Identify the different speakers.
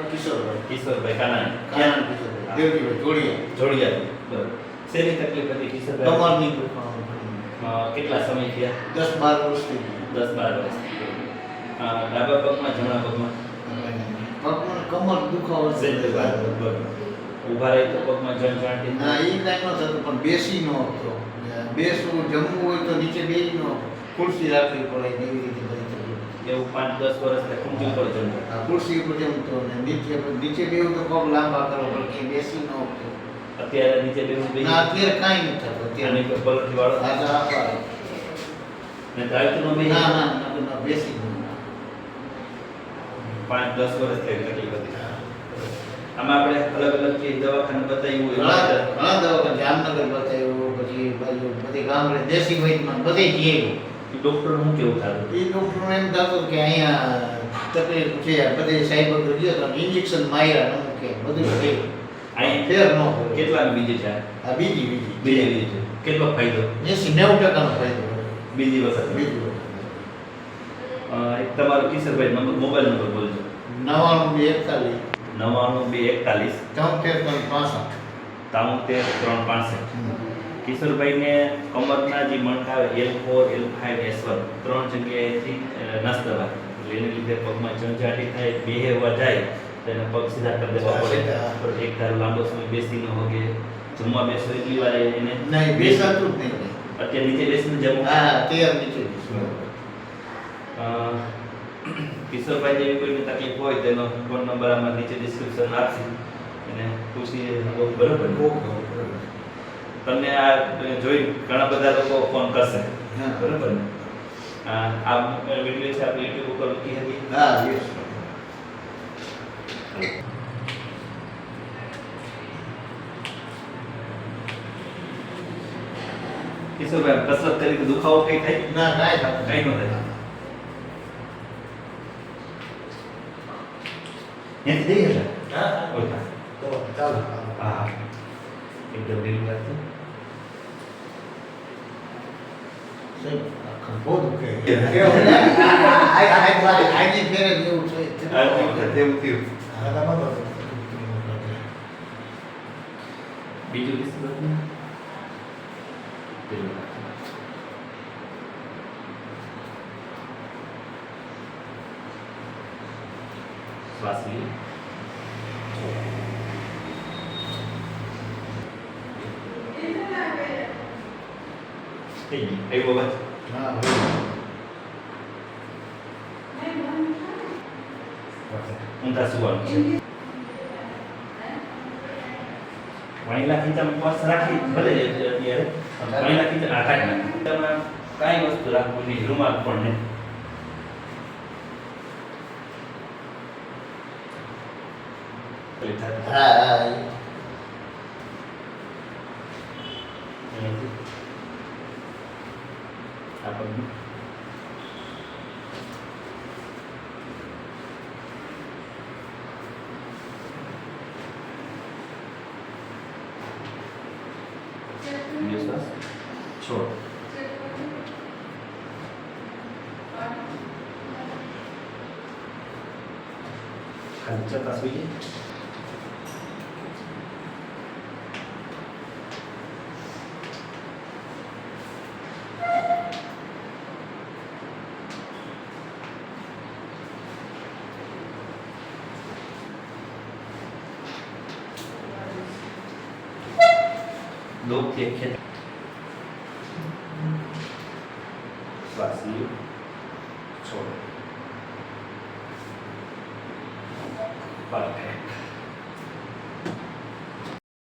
Speaker 1: કિશોરભાઈ કાનાણી
Speaker 2: કાનાણી કિશોરભાઈ દેવજીભાઈ
Speaker 1: જોડિયા બરાબર શેની તકલીફ હતી કિશોરભાઈ
Speaker 2: કમરની
Speaker 1: કેટલા સમય થયા
Speaker 2: 10-12 વર્ષ થઈ ગયા
Speaker 1: 10-12 વર્ષ ડાબા પગમાં જમણા પગમાં
Speaker 2: પગમાં કમર દુખાવો છે
Speaker 1: બરાબર ઊભા રહી તો પગમાં જણજાંટી
Speaker 2: ના એ કાંઈ ન થતું પણ બેસી ન હતો બેસવું જમવું હોય તો નીચે બેસી ન ખુરશી રાખવી પડે એવી રીતે બધી તકલીફ
Speaker 1: એવું 5-10 વર્ષ ખુરશી ઉપર જમવું
Speaker 2: આ ખુરશી ઉપર જમતો ને નીચે બેવું તો પગ લાંબા કરો પણ કે બેસી ન હતો
Speaker 1: અત્યારે નીચે બેવું
Speaker 2: ના અત્યારે કાંઈ નથી થતું અત્યારે
Speaker 1: પલટી વાળો ને ચાલતું નો બે
Speaker 2: ના બેસી ન
Speaker 1: 5-10 વર્ષ થઈ તકલીફ હતી આમાં આપણે અલગ અલગ જે દવાખાને બતાવ્યું
Speaker 2: ઘણા દવાખાને જામનગર બતાવ્યું પછી બાજુ બધી ગામડે દેશી વૈદ્યમાં બધે જઈએ
Speaker 1: ડોક્ટર નું કેવું થતું
Speaker 2: એ ડોક્ટર એમ થતું કે અહીંયા તકલીફ છે બધે સાહેબ ગયો તો ઇન્જેક્શન માર્યા ન કે બધું થઈ
Speaker 1: અહીં
Speaker 2: ફેર ન
Speaker 1: કેટલા બીજી છે
Speaker 2: આ બીજી
Speaker 1: છે કેટલો ફાયદો
Speaker 2: 80-90% નો ફાયદો
Speaker 1: બીજી વખત એક તમારો કિશોરભાઈ નંબર મોબાઈલ નંબર બોલજો
Speaker 2: 99-41
Speaker 1: 93-365 કિશોરભાઈને કમરના જે મણકા L4 L5 S1 ત્રણ જગ્યાએથી નસ દવા એટલે એને લીધે પગમાં જંજાટી થાય બેહેવા જાય તેને પગ સીધા કરી દેવા પડે એક ધારો લાંબો સમય બેસી ન હોગે જમવા બેસો એટલી વાર એને
Speaker 2: નહીં બેસાતું જ નહીં
Speaker 1: અત્યારે નીચે બેસીને જમવું
Speaker 2: તૈયાર નીચે
Speaker 1: કિશોરભાઈ જેવી કોઈને તકલીફ હોય તેનો ફોન નંબર આમાં નીચે ડિસ્ક્રિપ્શન આપશે અને પૂછી બરોબર તમને આ જોઈ ઘણા બધા લોકો ફોન કરશે બરોબર ને આ વિડિયો છે આપણે YouTube ઉપર મૂકી હતી કિશોરભાઈ કસરત કરી દુખાવો કઈ થાય
Speaker 2: ના કાંઈ
Speaker 1: કઈ ન થાય Yang tadi ya? Oh iya.
Speaker 2: ચાલો
Speaker 1: એકદમ ઢીલું લાગતું.
Speaker 2: બહુ દુખે આજે ફેરે જેવું છે
Speaker 1: તેવું થયું. બીજું કિસ્સો ઢીલું લાગતું. શ્વાસ લે Ayo bawa. Minta suan. Wanita kita puas rakit boleh dia. Wanita kita akan. Kita kain wસ્તુ રાખવું નહીં રૂમાલ પણ નહીં. Apa ini? Biasa. छोड़. Kancah tasbih. लोग देखे श्वास लो छोड़ो परफेक्ट